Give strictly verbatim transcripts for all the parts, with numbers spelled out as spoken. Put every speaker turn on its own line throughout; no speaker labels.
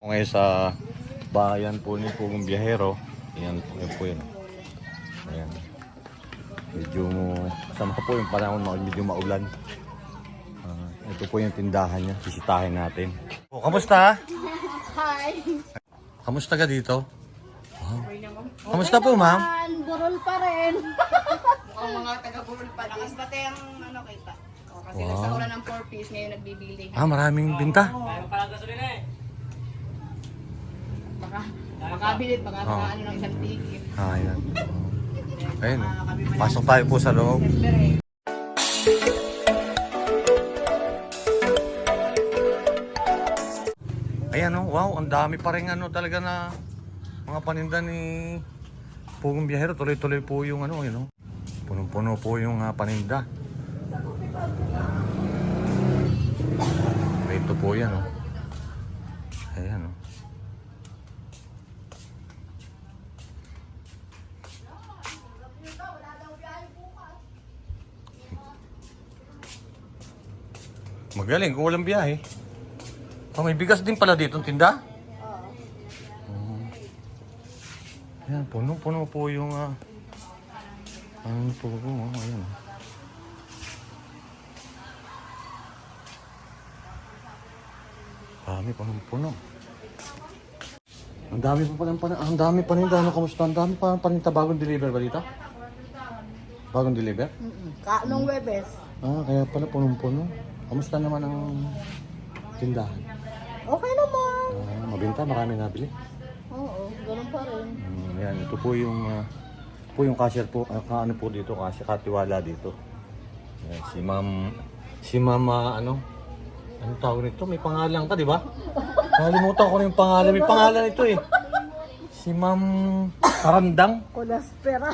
Ngayon sa bayan po ni Pugong Biyahero. Ayan po, ayan po yun. Ayan. Medyo sama po yung panahon, medyo maulan. Uh, ito po yung tindahan niya. Bisitahin natin. Oh, kamusta?
Hi!
Kamusta ka dito? Wow. Kamusta po, ma'am?
Burol pa rin.
Mukhang mga taga-burol pa. Lakas pati ang ano kita. O, kasi
Wow.
nagsakuran ng four piece, ngayon nagbibili.
Ah, maraming binta.
Baka makabilit, baka
Oh.
ano ng isang ticket.
Ah, ayan. Ayun. Pasok tayo po sa loob. Ayan oh, wow, ang dami pa rin ano talaga na mga paninda ni Pugong Biyahero. Tuloy-tuloy po yung ano, yun oh. Punong-puno po yung uh, paninda. Ito po yan oh. Ayan oh. Magaling kung walang biyahe. Oh, may bigas din pala dito tinda? Oo. Uh, ayan, puno-puno po yung uh, ano po po, oh, ayan. Dami puno-puno. Ang dami pa pala, ang dami pa rin, ano, kamusta? Ang dami pa rin, bagong deliver ba dito? Bagong deliver?
Mm-mm. Kaanong Webes?
Ah, kaya pala punong-puno. Kamusta naman ang tindahan?
Okay naman.
Ah, mabinta, marami nabili.
Oo, ganun pa rin.
Mm, yan, ito po yung uh, po yung cashier po, uh, ano po dito, kasi katiwala dito. Yan, si Ma'am si Mama ano? Ano tawag nito? May pangalan ka, di ba? Nakalimutan ko na yung pangalan. May pangalan ito eh. Si Ma'am Karandang.
Kulaspera.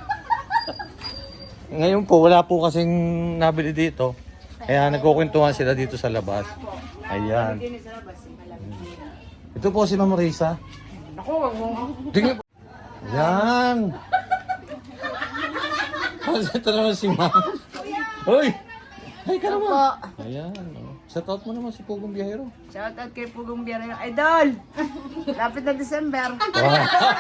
Ngayon po, wala po kasing nabili dito. Kaya nagkukwentuhan sila dito sa labas. Ayan. Ito po si Ma'am Risa.
Ako, wag mo.
Tingnan po. Ayan. Kasi ito naman si Ma'am. Uy! Ay ka naman. Ayan. Oh. Shout out mo naman si Pugong Biyahero.
Shoutout kay Pugong Biyahero. Idol! Lapit na December.
Wow.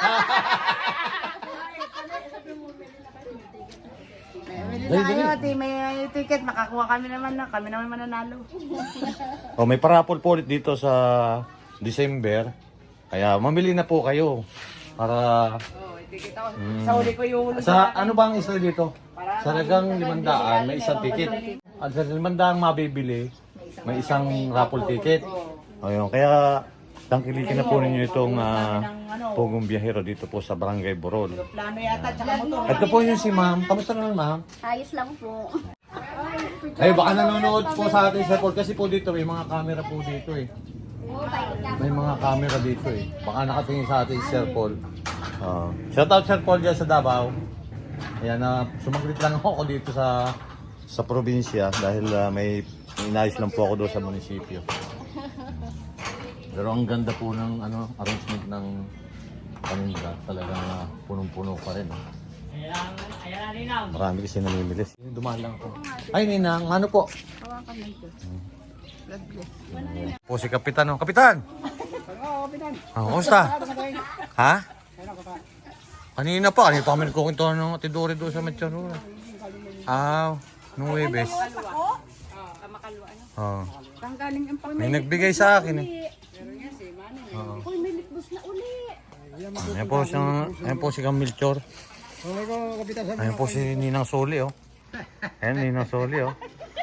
Bili
Dali,
na kayo,
dali.
ati, may ticket. Makakuha kami naman na. Kami naman mananalo.
Oh, may parapol po ulit dito sa December. Kaya mamili na po kayo. Para
Oo, oh, ticket ako.
Mm.
Sa uli ko yung ulo.
sa ano ba ang isa dito? Sa lagang limandaan, may isang ticket. At sa limandaan mabibili, may isang raffle ticket. Ayun, kaya tangkilikin na po ninyo itong uh, Pugong Biyahero dito po sa Barangay Burol.
Plano yata, tsaka motor.
Ito po yung si Ma'am. Kamusta naman, Ma'am?
Ayos lang po.
Ay, baka nanonood po sa atin sa Paul kasi po dito may mga camera po dito eh. May mga camera dito eh. Baka nakatingin sa atin si Sir Paul. Uh, shout out Sir Paul dyan sa Davao. Ayan na, uh, sumaglit lang ako dito sa sa probinsya dahil uh, may, may inayos lang po ako doon sa munisipyo. Pero ang ganda po ng ano, arrangement ng paninda. Talagang uh, punong-puno pa rin. Eh. Marami kasi namimili. Dumaan lang ako. Ay, Ninang, ano po?
Hawakan mo ito. God bless.
Po si Kapitan. Oh. Kapitan!
Oo, Kapitan.
Ah, kumusta? Ha? Kanina pa, kanina pa kami nagkukuntuhan ng Tidore doon sa Machanura. Ah, nung Webes.
Oo, kamakalwa.
Oh.
Saan galing ang pang
May nagbigay sa akin eh.
Pero nga si Manny.
Oo.
Uy, may litbus na uli.
Ayan po, si, ayan po si Camilchor. Ayan po si Ninang Soli oh. Ayan, Ninang Soli oh.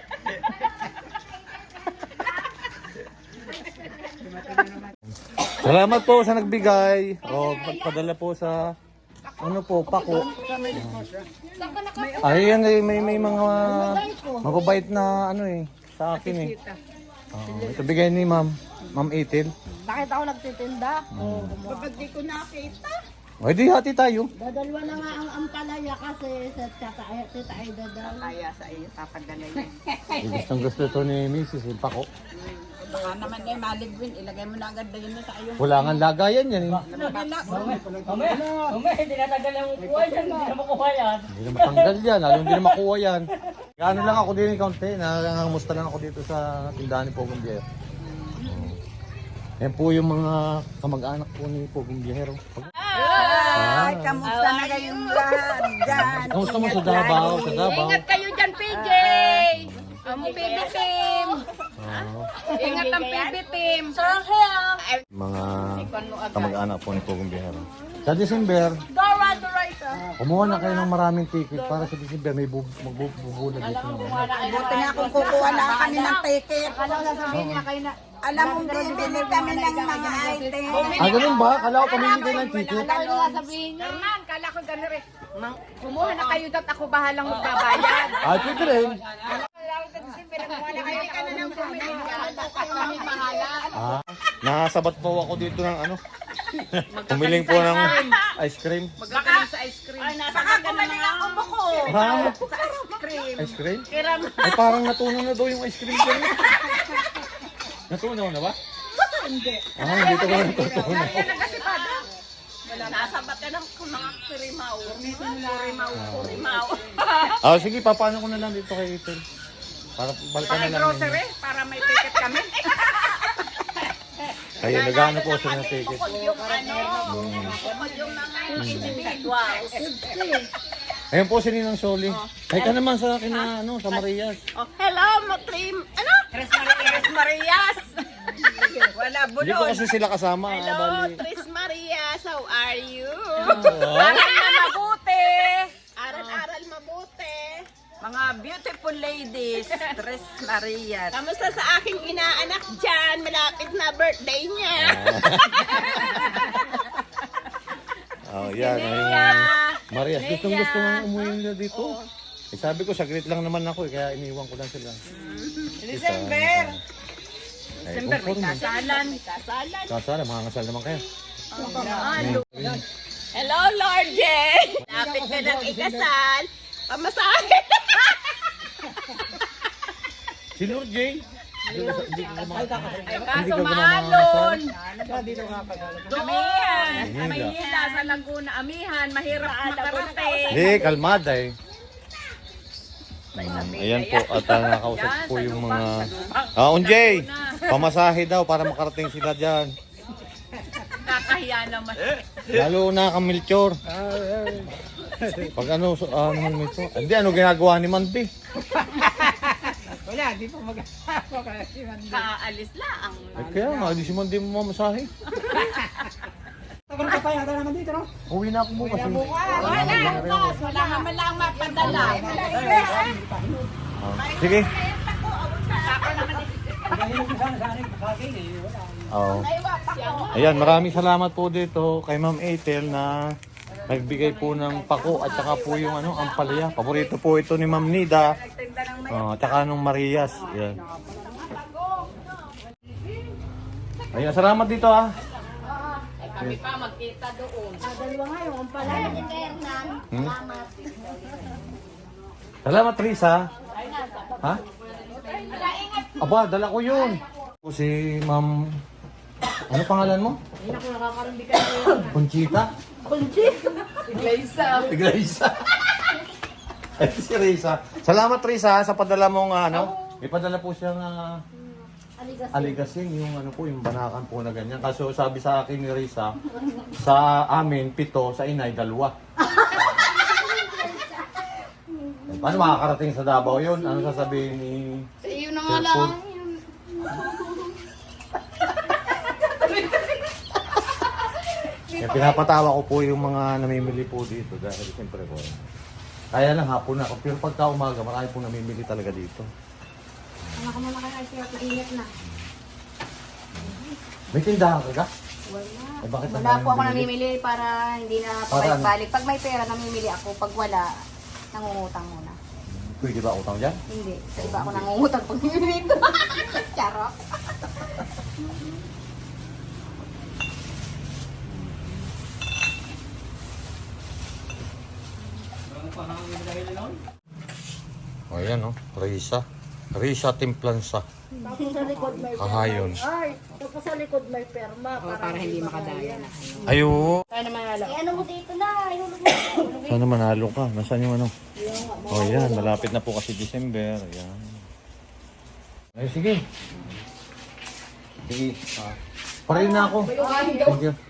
Salamat po sa nagbigay. O, pagpadala po sa ano po, pako. Ay, yan eh, may, may mga mababait na ano eh, sa akin eh. Oh, ito bigay ni Ma'am, Ma'am Itil.
Bakit ako nagtitinda? Oo.
Kapag di ko nakita.
O, di hati tayo.
Dadalwa na nga ang ampalaya kasi sa tata tita ay dadal.
Kaya sa iyo, tapadala yun.
Gustong gusto ito ni Missus yung pako.
Baka naman eh, maligwin. Ilagay mo na agad na yun sa iyo.
Wala nga lagayan yan eh.
Nabila.
Umay, hindi natanggal ang kuha yan, hindi na makuha yan.
Hindi na matanggal yan, alam hindi na makuha yan. Ano lang ako din, kaunti, nangangamusta lang ako dito sa tindahan ni Pugong Biyahero. Yan po yung mga kamag-anak po ni Pogong Biyahero.
Ay, kamusta na kayong lahat dyan?
Kamusta mo sa Davao? Sa Davao?
Ingat kayo dyan, P J! Ang P B team!
Oo.
Ingat ang P B team!
Mga kamag-anak po ni Pogong Biyahero. Sa December, kumuha na kayo ng maraming ticket para sa December may bu- magbubula dito naman.
Buti nga kung kukuha na kami ng ticket. Alam mo, bibili kami ng mga item.
Ah, ganun ba? Kala ko pamili kayo ng ticket.
Hernan, kala ko gano'n rin. Mang- Kumuha na kayo dat ako bahalang magbabayad.
Ah, pwede rin.
Hindi ka na nang bumili. Kami bahala.
Ah, nasabat po ako dito ng ano. Pumiling po ng ice cream.
Magkakaling sa ice cream. Ay, nasa ka na mga ubo ko.
Ha?
Sa ice cream.
Ice cream?
Kiram.
Ay, parang natunaw na daw yung ice cream ko. Natunaw na ba? Hindi. Ah, hindi ko na natunaw.
Nasa bata ng mga kurimaw. Kurimaw, kurimaw.
Ah, sige, papaano ko na lang dito kay Ethel. Para balikan na
Para
lang.
grocery, para may ticket kami.
Ayun, nagano po sila ng ticket.
Bukod yung ano, bukod yung mga individuals.
Ayun po si Ninang Soli. Ay ka naman sa akin na ano, sa Marias.
Oh, hello, Matrim. Ano? Tres Marias. Tres Marias. Wala
Hindi ko
bulon.
kasi sila kasama. ah,
Hello,
bali.
Tres Marias. How are you?
Ah.
Aral na mabuti. Aral-aral mabuti.
Mga beautiful ladies, Tres Marias.
Kamusta sa aking inaanak dyan? Malapit na birthday niya.
Oh, yan. Ayun. Marias, gustong gusto nga umuwi nila dito. Eh, sabi ko, saglit lang naman ako eh, kaya iniwan ko lang sila.
December.
December, may
Kasalan.
Kasalan.
Kasala, mga kasal naman kayo.
Hello, Lord J. Lapit ka ng ikasal. Pamasahe.
Si Lord J. Hindi ko hindi ko ma-
Ay,
hindi
kaso
ka ba
maalon.
namamamasal?
Amihan.
Mahila.
Mahila sa Laguna. Amihan. Mahirap makarating.
Hindi, kalmada eh. Hmm, ayan po, at uh, nakausap po yung mga... Ah, Unjay! Pamasahe daw para makarating sila dyan.
Kakahiya naman.
Lalo na kang Melchor. Pag ano, so, ano naman ito? Hindi, ano ginagawa ni Mandy?
Kaalis lang.
Eh, kaya nga, di si Mandy mo mamasahe. Uwi na ako bukas. eh.
Wala na. Wala naman lang mapadala.
Ah, sige. Oo. Ayan, maraming salamat po dito kay Ma'am Ethel na nagbigay po ng pako at saka po yung ano, ampalaya. Paborito po ito ni Ma'am Nida. Oh, at saka nung Marias. Ayan. Ayan, salamat dito ah.
Kami pa magkita doon.
Dalawa nga yung umpalaya.
Hmm? Salamat, Risa. Ha? Aba, dala ko yun. Si Ma'am... Ano pangalan mo?
Hindi na ko nakakarinig ka na yun.
Conchita?
Conchita.
Iglesia. Ay, si Risa. Salamat, Risa, sa padala mong ano. May padala po siyang ah,
Aligas.
aligasing, yung ano po, yung banakan po na ganyan. Kaso sabi sa akin ni Risa, sa amin, pito, sa inay, dalawa. Eh, paano makakarating sa Davao yun? Ano sasabihin ni...
Sa iyo na
nga lang. Kaya pinapatawa ko po yung mga namimili po dito dahil siyempre po. Kaya lang hapon na ako. Pero pagka umaga, marami po namimili talaga dito.
Ano ka muna kaya siya, ingat na.
May tindahan ka ka?
Wala.
Eh, bakit ang
Wala
daming
po ako
binili?
namimili para hindi na
Para ano?
pabalik-balik. Pag may pera, namimili ako. Pag wala, nangungutang muna.
Pwede ba utang dyan?
Hindi. Sa iba ako nangungutang pag namimili ito. Charot.
O oh, yan o, Risa. Risa Timplansa.
Tapos sa likod may
Kahayon.
Ay, tapos sa likod may perma. para, hindi makadaya na.
Ayo.
Kaya naman alam. Eh, ano mo dito na? Ihulog mo.
Sana manalo ka. Nasaan yung ano? O oh, yan, malapit na po kasi December. Ayan. Ay, sige. Sige. Ah. Parin na ako. Thank you.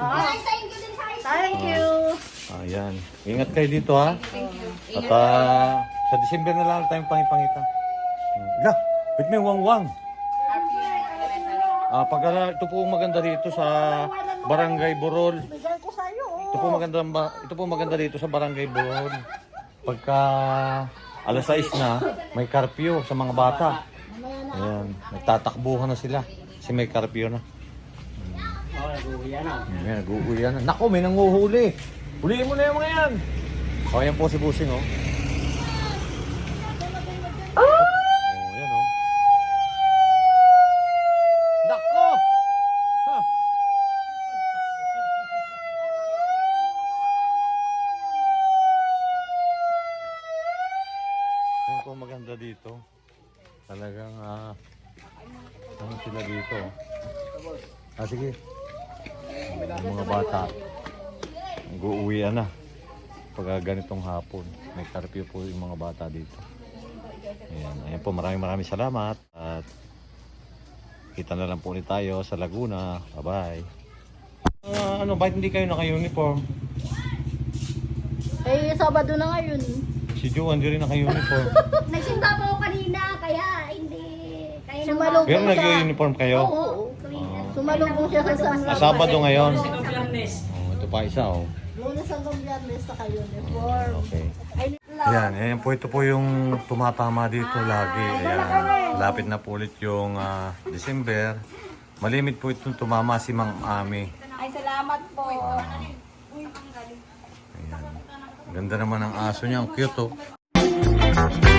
Thank you.
Ayan. Ingat kayo dito ha. At ah, sa December na lang tayong pangipangita. La, bit may wangwang. Ah, pag ah, ito po maganda dito sa Barangay Burol.
Bigay ko sa'yo. oh.
Ito po maganda ba, ito po maganda dito sa Barangay Burol. Pagka alas sais na, may curfew sa mga bata. Ayan, nagtatakbuhan na sila kasi may curfew na.
Oh, nag-uwi na.
Ayan, nag-uuwi na. Naku, may nanguhuli. Huliin mo na yung mga yan. O, ayan po si Busing, oh. Oh, ayan, oh. Nako! Ha! Ayan po maganda dito. Talagang, ah, ano sila dito. Ah, sige. Yung mga bata. Nag-uuwian na. Pag ganitong hapon. May curfew po yung mga bata dito. Ayan. Ayan po. Maraming maraming salamat. At kita na lang po ulit tayo sa Laguna. Bye-bye. Ah, ano, bakit hindi kayo naka-uniform?
Eh, Sabado na ngayon.
Si Joe, hindi rin naka-uniform.
Nagsimba po ako kanina, kaya hindi. Kaya nang
Sumalubong
Pero
siya.
nag-uniform kayo?
Oo. Sumalubong siya sa San
Ah, Sabado ngayon.
Sa Biyernes.
Oh, ito pa isa, oh.
Lunes hanggang Biyernes sa uniform.
Okay. Ayan, ayan po, ito po yung tumatama dito lagi. Ayan, lapit na po ulit yung ah, December. Malimit po itong tumama si Mang Ami.
Ay, salamat po.
Ayan. Ganda naman ang aso niya, ang cute oh.